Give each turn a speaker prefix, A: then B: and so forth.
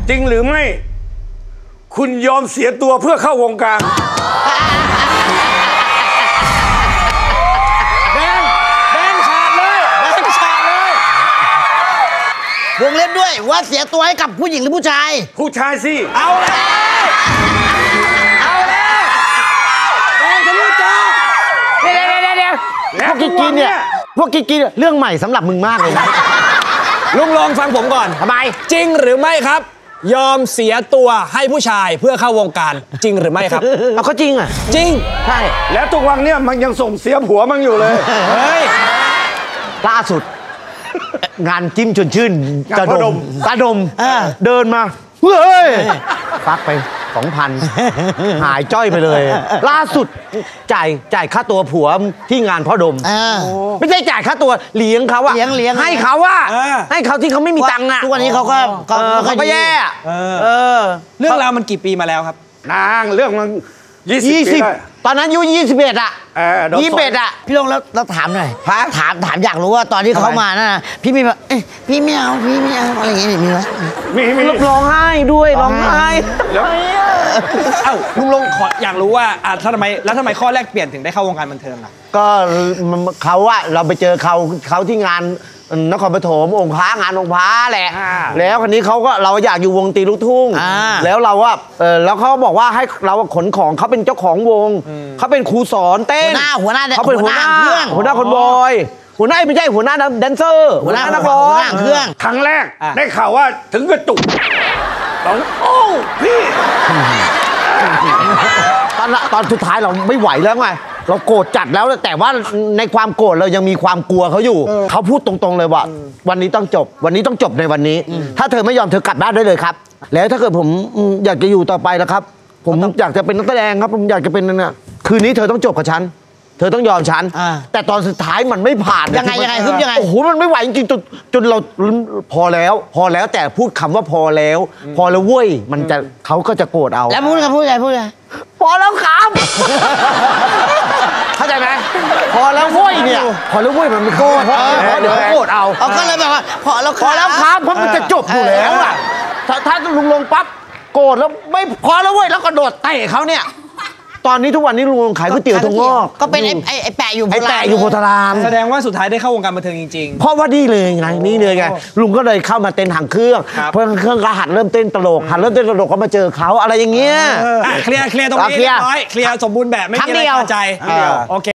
A: จริงหรือไม่คุณยอมเสียตัวเพื่อเข้าวงการ
B: แดงขาดเลยวงเล็บด้วยว่าเสียตัวให้กับผู้หญิงหรือผู้ชาย
A: ผู้ชายสิ
B: เอาแล้วแดงทะลุจอ
C: เดี๋ยวพวกกิ๊กเนี่ยเรื่องใหม่สำหรับมึงมากเลยนะ
D: ลุงลองฟังผมก่อน
C: ทำไม
D: จริงหรือไม่ครับยอมเสียตัวให้ผู้ชายเพื่อเข้าวงการจริงหรือไม่ครับ
C: เอาเขาจริงอ่ะ
D: จริง
C: ใช่
A: แล้วทุกวันเนี่ยมันยังส่งเสียผัวมันอยู่เลย
D: เฮ้ย
C: ล่าสุดงานจิ้มชวนชื่นตาดมเดินมาเฮ้ยฟักไป 2,000 หายจ้อยไปเลยล่าสุดจ่ายค่าตัวผัวที่งานพ่อดมไม่ใช่จ่ายค่าตัวเลี้ยงเขาอะ
B: เลี้ยง
C: ให้เขาอะให้เขาที่เขาไม่มีตังค์อะ
B: ทุกวันนี้เขาก็
C: แย่
D: เรื่องราวมันกี่ปีมาแล้วครับ
A: นางเรื่องมัน20
C: ตอนนั้นอายุ21อะ21อะ
B: พี่ลงแล้วถามหน่อยถามอยากรู้ว่าตอนที่เขามาน่ะพี่มีแบบพี่ไม่เอาอะไรอย่างเงี้ยมีไหม
A: มี
C: ร้องไห้ด้วยร้องไห้
D: เอ้าลุงลงขออยากรู้ว่าทำไมข้อแรกเปลี่ยนถึงได้เข้าวงการบันเทิงล่ะ
C: ก็เขาอะเราไปเจอเขาที่งานนครปฐมองค์พระงานองค์พระแหละแล้วคนนี้เราอยากอยู่วงตีลูกทุ่งแล้วเราว่าแล้วเขาบอกว่าให้เราขนของเขาเป็นเจ้าของวงเขาเป็นครูสอนเต้น
B: หัวหน้า
C: เขาเป็นหัวหน้าคนบอยหัวหน้าไม่ใช่หัวหน้าแดนเซอร์หัวหน้านักร้อง
B: เครื่อง
A: ครั้งแรกได้ข่าวว่าถึงกระจุกโอ้พี่
C: ตอนสุดท้ายเราไม่ไหวแล้วไงเราโกรธจัดแล้วแต่ว่าในความโกรธเรายังมีความกลัวเขาอยู่เขาพูดตรงๆเลยว่าวันนี้ต้องจบในวันนี้ถ้าเธอไม่ยอมเธอกลับบ้านได้เลยครับแล้วถ้าเกิดผมอยากจะอยู่ต่อไปแล้วครับผมอยากจะเป็นนักแสดงครับผมอยากจะเป็นนั่นน่ะคืนนี้เธอต้องจบกับฉันเธอต้องยอมฉันแต่ตอนสุดท้ายมันไม่ผ่าน
B: ยังไง
C: โอ้โหมันไม่ไหวจริงๆจนเราพอแล้วแต่พูดคำว่าพอแล้วเว้ยมันจะเขาก็จะโกรธเอา
B: แล้วพูดไง
C: พอแล้วครับเข้าใจไหมพอแล้วเว้ยเนี่ยพอแล้วเว้ยมันไม่โกรธเดี๋ยวโกรธเอา
B: ก็เลยแบบว่าพอแล้ว
C: ครับเพราะมันจะจบอยู่แล้วอ่ะถ้าลุงลงปั๊บโกรธแล้วไม่พอแล้วเว้ยแล้วก็โดดเตะเขาเนี่ยตอนนี้ทุกวันนี้ลุงขายก๋วยเตี๋ยวถั่วงอก
B: ก็เป็นไอ้แปะอยู่
C: โพธาราม
D: แสดงว่าสุดท้ายได้เข้าวงการบันเทิงจริงๆ
C: เพราะว่านี่เลยไงลุงก็เลยเข้ามาเต้นหางเครื่องเพื่อเครื่องก็หัดเริ่มเต้นตลกก็มาเจอเขาอะไรอย่างเงี้ย
D: เคลียร์ตรงนี้เรียบร้อยเคลียร์สมบูรณ์แบบไม่มีอะไรคาใจโอเค